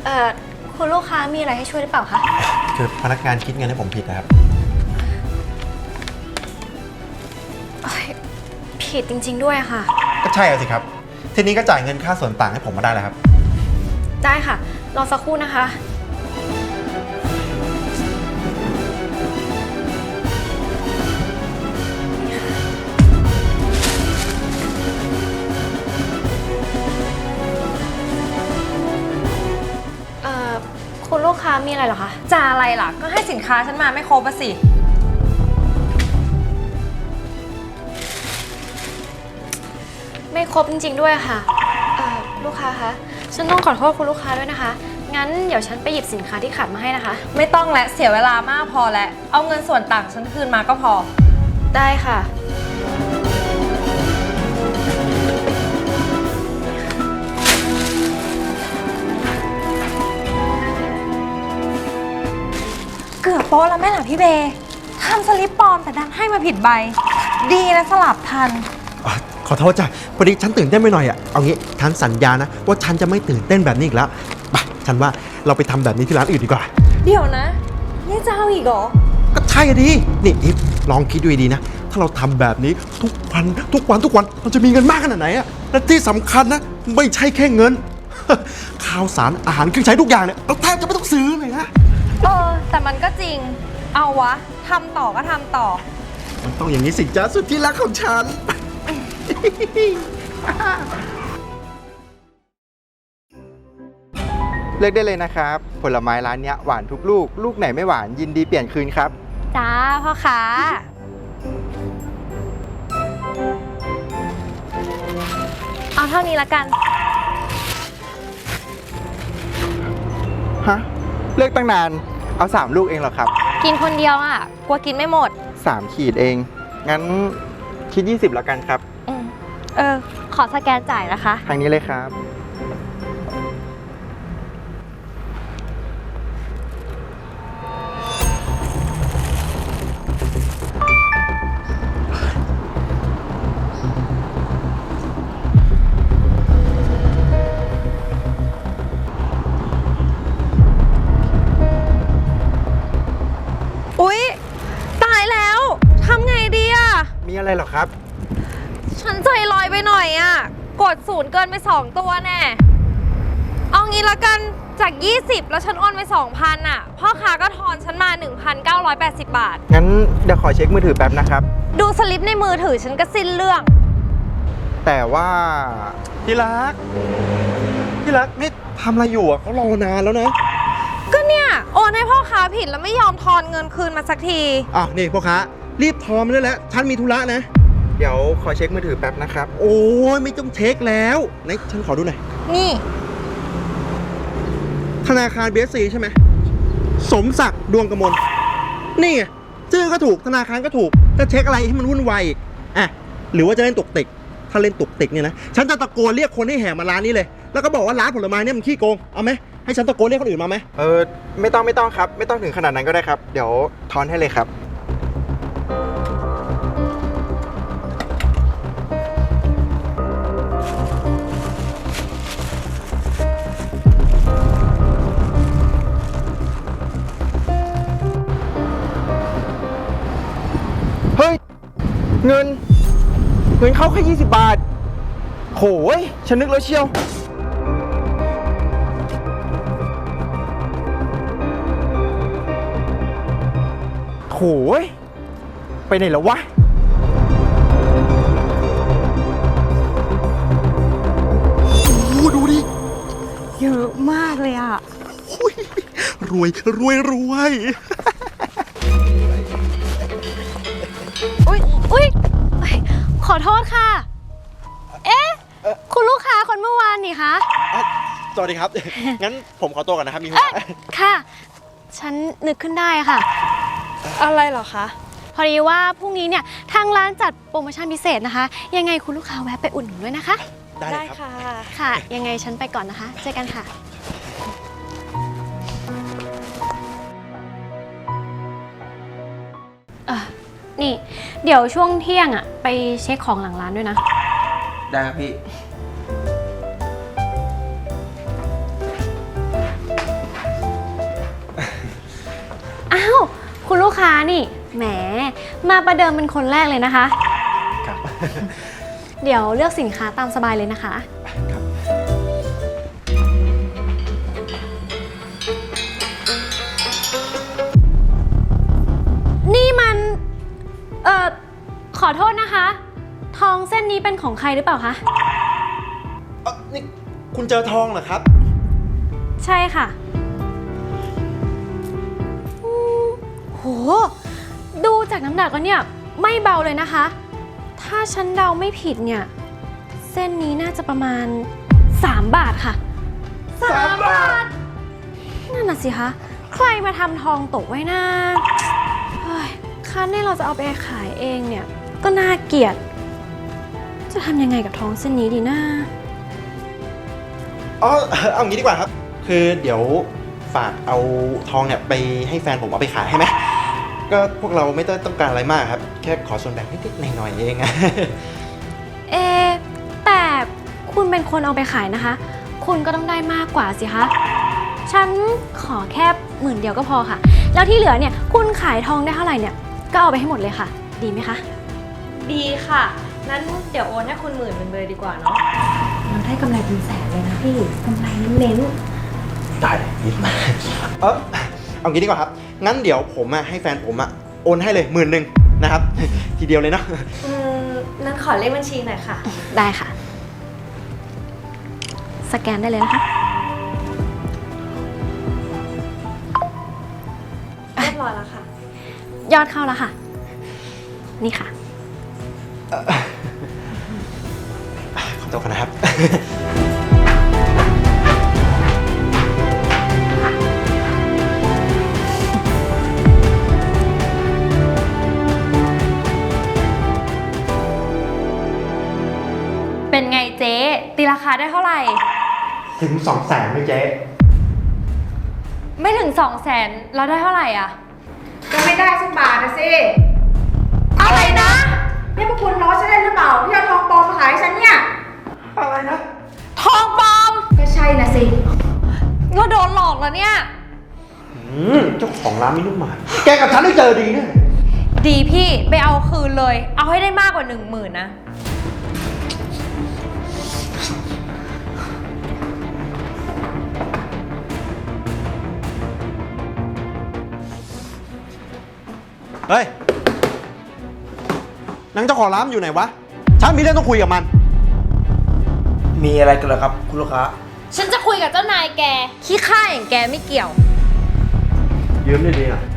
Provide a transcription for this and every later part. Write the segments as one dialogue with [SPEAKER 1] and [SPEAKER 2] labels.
[SPEAKER 1] อคุณลูกค้ามีอะไรให้ช่วยหรือเปล่าคะ
[SPEAKER 2] คือพนักงานคิดเงินให้ผมผิดนะครับ
[SPEAKER 1] ผิดจริงๆด้วยค่ะ
[SPEAKER 2] ก็ใช่สิครับทีนี้ก็จ่ายเงินค่าส่วนต่างให้ผมมาได้แล้วครับ
[SPEAKER 1] ได้ค่ะรอสักครู่นะคะคุณลูกค้ามีอะไรเหรอคะ
[SPEAKER 3] จะอะไรล่ะก็ให้สินค้าฉันมาไม่ครบอะสิ
[SPEAKER 1] ไม่ครบจริงๆด้วยค่ะลูกค้าคะฉันต้องขอโทษคุณลูกค้าด้วยนะคะงั้นเดี๋ยวฉันไปหยิบสินค้าที่ขาดมาให้นะคะ
[SPEAKER 3] ไม่ต้องและเสียเวลามากพอแล้วเอาเงินส่วนต่างฉันคืนมาก็พอ
[SPEAKER 1] ได้ค่ะ
[SPEAKER 3] เกือบโป๊ะแล้วแม่หล่ะพี่เบย์ทำสลิปปลอมแต่ดันให้มาผิดใบดีนะสลับทัน
[SPEAKER 2] ขอโทษจ้ะพอดีฉันตื่นเต้นไปหน่อยอ่ะเอางี้ฉันสัญญานะว่าฉันจะไม่ตื่นเต้นแบบนี้อีกแล้วไปฉันว่าเราไปทำแบบนี้ที่ร้านอื่นดีกว่า
[SPEAKER 3] เดี๋ยวนะนี่จะเอาอีกเหรอ
[SPEAKER 2] ก็ใช่ดินี่อีฟลองคิดดูดีนะถ้าเราทำแบบนี้ทุกวันเราจะมีเงินมากขนาดไหนอ่ะและที่สำคัญนะไม่ใช่แค่เงิน ข้าวสารอาหารเครื่องใช้ทุกอย่างเนี่ยเราแทบจะไม่ต้องซื้อเลยนะ
[SPEAKER 3] แต่มันก็จริงเอาวะทำต่อก็ทำต่อ
[SPEAKER 2] มันต้องอย่างนี้สิจ๊ะสุดที่รักของฉัน
[SPEAKER 4] เลือกได้เลยนะครับผลไม้ร้านนี้หวานทุกลูกลูกไหนไม่หวานยินดีเปลี่ยนคืนครับ
[SPEAKER 3] จ้าพ่อค้าเอาเท่านี้ละกัน
[SPEAKER 4] ฮะเลือกตั้งนานเอา3ลูกเองเหรอครับ
[SPEAKER 3] กินคนเดียวอ่ะกลัวกินไม่หมด
[SPEAKER 4] 3ขีดเองงั้นคิด20แล้วกันครับ
[SPEAKER 3] ขอสแกนจ่ายนะคะ
[SPEAKER 4] ทางนี้เลยครับ
[SPEAKER 3] อุ๊ยตายแล้วทำไงดีอ่ะ
[SPEAKER 4] มีอะไรเหรอครับ
[SPEAKER 3] ฉันใจลอยไปหน่อยอ่ะกด0เกินไป2ตัวแน่เอางี้ละกันจาก20แล้วฉันโอนไป 2,000 อ่ะพ่อค้าก็ทอนฉันมา 1,980 บาท
[SPEAKER 4] งั้นเดี๋ยวขอเช็คมือถือแป๊บนะครับ
[SPEAKER 3] ดูสลิปในมือถือฉันก็สิ้นเรื่อง
[SPEAKER 4] แต่ว่า
[SPEAKER 2] ที่รักนี่ทำอะไรอยู่อ่ะเขารอนานแล้วนะ
[SPEAKER 3] ก็เนี่ยโอนให้พ่อค้าผิดแล้วไม่ยอมทอนเงินคืนมาสักที
[SPEAKER 2] นี่พ่อค้ารีบทอนมาได้แล้วฉันมีธุระนะ
[SPEAKER 4] เดี๋ยวขอเช็คมือถือแป๊บนะครับ
[SPEAKER 2] โอ้ยไม่ต้องเช็คแล้วไหนฉันขอดูหน่อย
[SPEAKER 3] นี่
[SPEAKER 2] ธนาคาร BSC ใช่ไหมสมศักดิ์ดวงกมลนี่ไงชื่อก็ถูกธนาคารก็ถูกจะเช็คอะไรให้มันวุ่นวายอีกหรือว่าจะเล่นตุกติกถ้าเล่นตุกติกเนี่ยนะฉันจะตะโกนเรียกคนให้แห่มาร้านนี้เลยแล้วก็บอกว่าร้านผลไม้เนี่ยมันขี้โกงเอาไหมให้ฉันตะโกนเรียกคนอื่นมาไหม
[SPEAKER 4] ไม่ต้องครับไม่ต้องถึงขนาดนั้นก็ได้ครับเดี๋ยวทอนให้เลยครับเฮ้ยเงินเข้าแค่20 บาทโหยฉันนึกแล้วเชียวโหยไปไหนแล้ววะ
[SPEAKER 2] ดูดิ
[SPEAKER 3] เยอะมากเลยอ่ะ
[SPEAKER 2] รวย
[SPEAKER 1] อุ๊ยขอโทษค่ะคุณลูกค้าคนเมื่อวานนี่คะ
[SPEAKER 2] สวัสดีครับงั้นผมขอตัวก่อนนะครับมีธุระ
[SPEAKER 1] ค่ะฉันนึกขึ้นได้ค่ะ
[SPEAKER 3] อะไรเหรอคะ
[SPEAKER 1] พอดีว่าพรุ่งนี้เนี่ยทางร้านจัดโปรโมชั่นพิเศษนะคะยังไงคุณลูกค้าแวะไปอุดหนุนด้วยนะคะ
[SPEAKER 3] ได้ค่ะ
[SPEAKER 1] ค่ะยังไงฉันไปก่อนนะคะเจอกันค่ะนี่เดี๋ยวช่วงเที่ยงอ่ะไปเช็คของหลังร้านด้วยนะ
[SPEAKER 4] ได้ครับพี่
[SPEAKER 1] ค้านี่ แหม มาประเดิมเป็นคนแรกเลยนะคะ
[SPEAKER 2] ครับ
[SPEAKER 1] เดี๋ยวเลือกสินค้าตามสบายเลยนะคะ
[SPEAKER 2] ครับ
[SPEAKER 1] นี่มัน ขอโทษนะคะ ทองเส้นนี้เป็นของใครหรือเปล่าคะ
[SPEAKER 2] นี่คุณเจอทองเหรอครับ
[SPEAKER 1] ใช่ค่ะโห ดูจากน้ำหนักแล้วเนี่ย ไม่เบาเลยนะคะ ถ้าฉันเดาไม่ผิดเนี่ย เส้นนี้น่าจะประมาณ 3 บาทค่ะ 3 บาท นั่นน่ะสิคะ ใครมาทำทองตกไว้นะเฮ้ยคันนี่เราจะเอาไปขายเองเนี่ย ก็น่าเกลียด จะทำยังไงกับทองเส้นนี้ดีนะ
[SPEAKER 2] อ๋อ เอางี้ดีกว่าครับ คือเดี๋ยวฝากเอาทองเนี่ยไปให้แฟนผมเอาไปขายให้ไหม ก็พวกเราไม่ต้องการอะไรมากครับ แค่ขอส่วนแบ่งนิดๆหน่อยๆเอง
[SPEAKER 1] เอะแต่คุณเป็นคนเอาไปขายนะคะ คุณก็ต้องได้มากกว่าสิคะ ฉันขอแค่10,000 เดียวก็พอค่ะ แล้วที่เหลือเนี่ย คุณขายทองได้เท่าไหร่เนี่ย ก็เอาไปให้หมดเลยค่ะ ดีไหมคะ
[SPEAKER 3] ดีค่ะ นั้นเดี๋ยวโอนให้คุณ10,000เป็นเบอร์ดีกว่าเนาะ
[SPEAKER 1] เราได้กำไรเป็นแสนเลยนะพี่กำไรเน้น
[SPEAKER 2] ได้นิดมาเอางี้ดีกว่าครับ งั้นเดี๋ยวผมให้แฟนผมโอนให้เลย10,000นะครับ ทีเดียวเลยเนาะ
[SPEAKER 3] นั้นขอเลขบัญชีหน่อยค่ะ
[SPEAKER 1] ได้ค่ะ สแกนได้เลยนะคะ
[SPEAKER 3] เรียบร้อยแล้วค่ะ
[SPEAKER 1] ยอดเข้าแล้วค่ะ นี่ค่ะ
[SPEAKER 2] ขอตัวกันนะครับ
[SPEAKER 3] เป็นไงเจ๊ตีราคาได้เท่าไหร่
[SPEAKER 2] ถึง200,000ไหมเจ๊
[SPEAKER 3] ไม่ถึง 200,000เราได้เท่าไหร่อ่ะ
[SPEAKER 5] ก็ไม่ได้สักบาทนะสิ
[SPEAKER 3] อะไรนะ
[SPEAKER 5] นี่พวกคุณล้อฉันได้หรือเปล่าที่เอาทองปลอมมาขายให้ฉันเนี่ย
[SPEAKER 2] อะไรนะ
[SPEAKER 3] ทองปลอม
[SPEAKER 5] ก็ใช่นะสิ
[SPEAKER 3] เราโดนหลอกแล้วเนี่ย
[SPEAKER 2] เจ้าของร้านไม่นุ่มหมายแกกับฉันได้เจอดีแน่
[SPEAKER 3] ดีพี่ไปเอาคืนเลย เอาให้ได้มากกว่า 10,000นะ
[SPEAKER 2] เฮ้ยนางเจ้าของร้านอยู่ไหนวะ ฉันมีเรื่องต้องคุยกับมัน
[SPEAKER 4] มีอะไรกันเหรอครับ คุณลูกค้า
[SPEAKER 3] ฉันจะคุยกับเจ้านายแก ขี้ข้าอย่างแกไม่เกี่ยว
[SPEAKER 2] ยืมดีๆหน่อย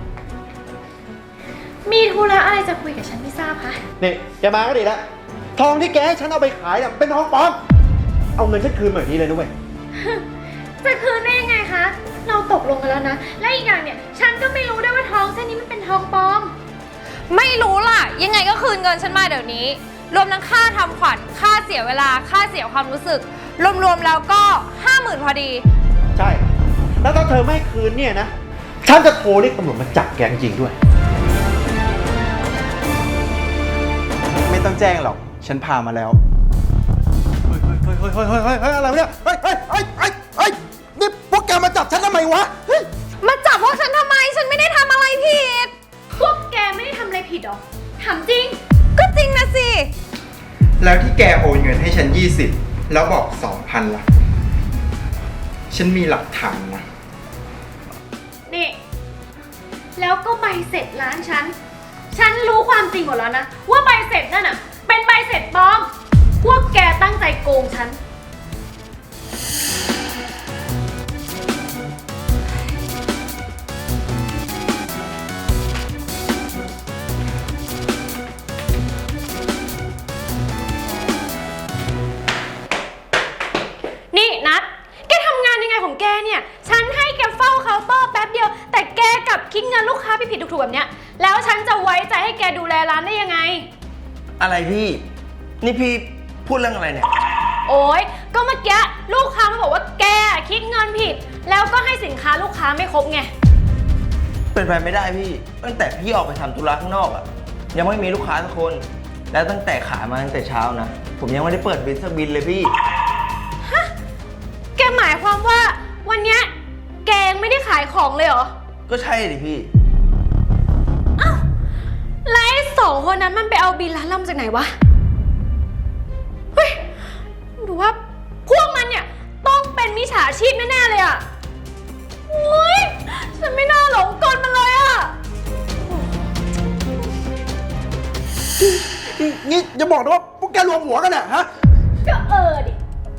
[SPEAKER 1] มีธุระอะไรจะคุยกับฉันไม่ทราบคะ
[SPEAKER 2] นี่แกมาก็ดีแล้ว ทองที่แกให้ฉันเอาไปขายเนี่ยเป็นทองปลอม เอาเงินฉันคืนมาแบบนี้เลยนะเว้ย
[SPEAKER 1] จะคืนได้ยังไงคะ เราตกลงกันแล้วนะ และอีกอย่างเนี่ย ฉันก็ไม่รู้ด้วยว่าทองเส้นนี้มันเป็นทองปลอม
[SPEAKER 3] ไม่รู้ล่ะ ยังไงก็คืนเงินฉันมาเดี๋ยวนี้ รวมทั้งค่าทำขวัญ ค่าเสียเวลา ค่าเสียความรู้สึก รวมๆแล้วก็ 50,000พอดี
[SPEAKER 2] ใช่ แล้วถ้าเธอไม่คืนเนี่ยนะ ฉันจะโทรเรียกตำรวจมาจับแกจริงๆด้วย
[SPEAKER 4] ไม่ต้องแจ้งหรอก ฉันพามาแล้ว
[SPEAKER 2] เฮ้ยอะไรวะเนี่ย เฮ้ย นี่พวกแกมาจับฉันทำไมวะ เฮ้ย
[SPEAKER 3] มาจับพวกฉันทำไม ฉันไม่ได้ทำอะไรผิด
[SPEAKER 1] พวกแกไม่ได้ทำอะไรผิดหรอ ถามจริง
[SPEAKER 3] ก็จริงนะสิ
[SPEAKER 4] แล้วที่แกโอนเงินให้ฉัน20แล้วบอก 2,000ล่ะ ฉันมีหลักฐานนะ
[SPEAKER 1] นี่ แล้วก็ใบเสร็จร้านฉัน ฉันรู้ความจริงหมดแล้วนะ ว่าใบเสร็จนั่นน่ะ เป็นใบเสร็จปลอม พวกแกตั้งใจโกงฉัน นี่นัดแกทำงานยังไงของแกเนี่ย ฉันให้แกเฝ้าเคาน์เตอร์แป๊บเดียว แต่แกกลับคิดเงินลูกค้าผิดๆถูกๆแบบเนี้ย แล้วฉันจะไว้ใจให้แกดูแลร้านได้ยังไง
[SPEAKER 6] อะไรพี่ นี่พี่พูดเรื่องอะไรเนี่ย
[SPEAKER 1] โอ๊ย ก็เมื่อกี้ลูกค้ามาบอกว่าแกคิดเงินผิด แล้วก็ให้สินค้าลูกค้าไม่ครบไง
[SPEAKER 6] เป็นไปไม่ได้พี่ ตั้งแต่พี่ออกไปทำธุระข้างนอกอะยังไม่มีลูกค้าสักคน แล้วตั้งแต่ขายมาตั้งแต่เช้านะ ผมยังไม่ได้เปิดบินสักบินเลยพี่
[SPEAKER 1] แกหมายความว่าวันเนี้ยแกยังไม่ได้ขายของเลยเหรอ
[SPEAKER 6] ก็ใช่ดิพี่
[SPEAKER 1] สองคนนั้นมันไปเอาบินร้านเรามาจากไหนวะ เฮ้ยหรือว่าพวกมันเนี่ยต้องเป็นมิจฉาชีพแน่ๆเลยอะโอ้ยฉันไม่น่าหลงกลมันเลยอะ
[SPEAKER 2] นี่อย่าบอกนะว่าพวกแกรวมหัวกันอะฮะ
[SPEAKER 1] ก็ดิ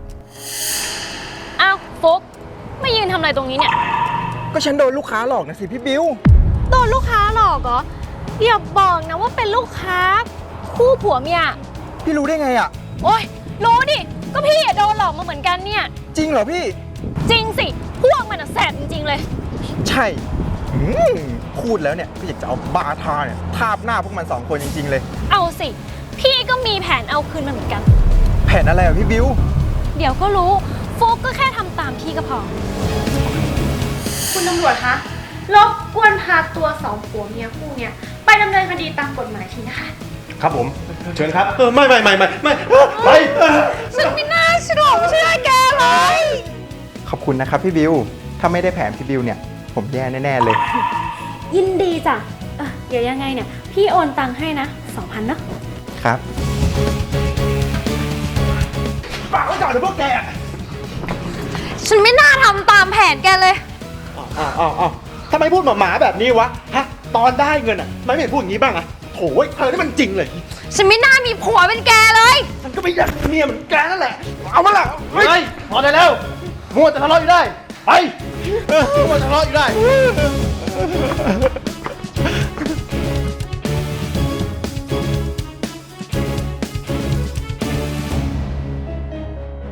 [SPEAKER 3] อ้าวฟุกไม่ยืนทำอะไรตรงนี้เนี่ย
[SPEAKER 4] ก็ฉันโดนลูกค้าหลอกนะสิพี่บิว
[SPEAKER 1] โดนลูกค้าหลอกเหรออย่าบอกนะว่าเป็นลูกค้าคู่ผัวเมีย
[SPEAKER 4] พี่รู้ได้ไงอ่ะ
[SPEAKER 1] โอ๊ยรู้ดิ ก็พี่อะโดนหลอกมาเหมือนกันเนี่ย
[SPEAKER 4] จริงเหรอพี่
[SPEAKER 1] จริงสิ พวกมันอะแสบจริงๆเลย
[SPEAKER 4] ใช่พูดแล้วเนี่ยก็อยากจะเอาบาทาเนี่ยทาบหน้าพวกมัน2 คนจริงๆเลย
[SPEAKER 1] เอาสิ พี่ก็มีแผนเอาคืนมันเหมือนกัน
[SPEAKER 4] แผนอะไรอ่ะพี่บิว
[SPEAKER 1] เดี๋ยวก็รู้ฟุกก็แค่ทำตามพี่ก็พอ คุณตำรวจคะรบกวนพาตัวสองผัวเมียคู่เนี่ยไปดำเนินคดีตามกฎหมายทีนะคะ
[SPEAKER 2] ครับผม เชิญครับ ไม่ไป
[SPEAKER 1] ฉันไม่น่าเชื่อแกเลย
[SPEAKER 4] ขอบคุณนะครับพี่บิว ถ้าไม่ได้แผนพี่บิวเนี่ย ผมแย่แน่ๆเลย
[SPEAKER 1] ยินดีจ้ะเดี๋ยวยังไงเนี่ย พี่โอนตังค์ให้นะ 2,000เนาะ
[SPEAKER 4] ครับ
[SPEAKER 2] ฝากไว้ก่อนเดี๋ยวพวกแก
[SPEAKER 3] ฉันไม่น่าทำตามแผนแกเลย
[SPEAKER 2] อ้าวทำไมพูดหมาแบบนี้วะ ฮะ ตอนได้เงินอ่ะทำไมไม่พูดอย่างนี้บ้างอ่ะโถ่เธอนี่มันจริงเลย
[SPEAKER 3] ฉันไม่น่ามีผัวเป็นแกเลย
[SPEAKER 2] ฉันก็ไม่อยากเมียเหมือนแกนั่นแหละ เอามาละเฮ้ยพอได้แล้ว มัวแต่ทะเลาะอยู่ได้ ไปมัวแต่ทะเลาะอยู่ได้